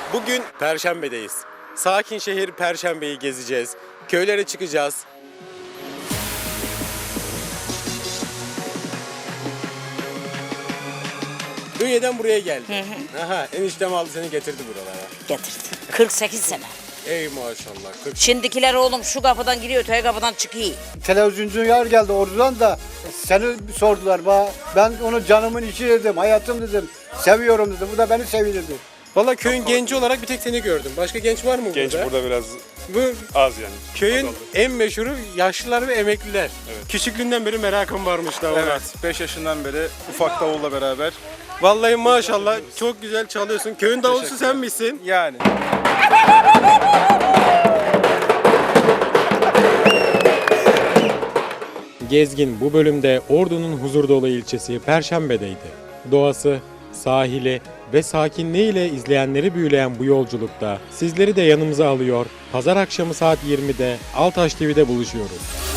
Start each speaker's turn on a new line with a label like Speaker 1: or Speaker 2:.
Speaker 1: Bugün Perşembe'deyiz. Sakin şehir Perşembe'yi gezeceğiz. Köylere çıkacağız. Ünye'den buraya geldi. Aha, eniştem aldı seni getirdi buralara.
Speaker 2: Getirdi. 48 sene.
Speaker 1: Ey maşallah. 40.
Speaker 2: Şimdikiler oğlum şu kapıdan giriyor, öteki kapıdan çıkıyor.
Speaker 3: Televizyoncu yar geldi oradan da seni sordular. Ben onu canımın içi dedim, hayatım dedim, seviyorum dedim. Bu da beni sevinirdi.
Speaker 1: Valla köyün genci olarak bir tek seni gördüm. Başka genç var mı
Speaker 4: Genç
Speaker 1: burada?
Speaker 4: burada biraz
Speaker 1: Bu
Speaker 4: az yani.
Speaker 1: köyün
Speaker 4: Azaldı.
Speaker 1: en meşhuru yaşlılar ve emekliler.
Speaker 4: Evet.
Speaker 1: Küçüklüğünden beri merakım varmış da ona.
Speaker 4: Evet, 5 yaşından beri ufak davulla beraber.
Speaker 1: Vallahi maşallah çok güzel çalıyorsun. Köyün davulcusu sen
Speaker 4: Teşekkürler.
Speaker 1: misin?
Speaker 4: Yani.
Speaker 1: Gezgin bu bölümde Ordu'nun huzurdolu ilçesi Perşembe'deydi. Doğası, sahili ve sakinliğiyle izleyenleri büyüleyen bu yolculukta sizleri de yanımıza alıyor. Pazar akşamı saat 20'de Altaş TV'de buluşuyoruz.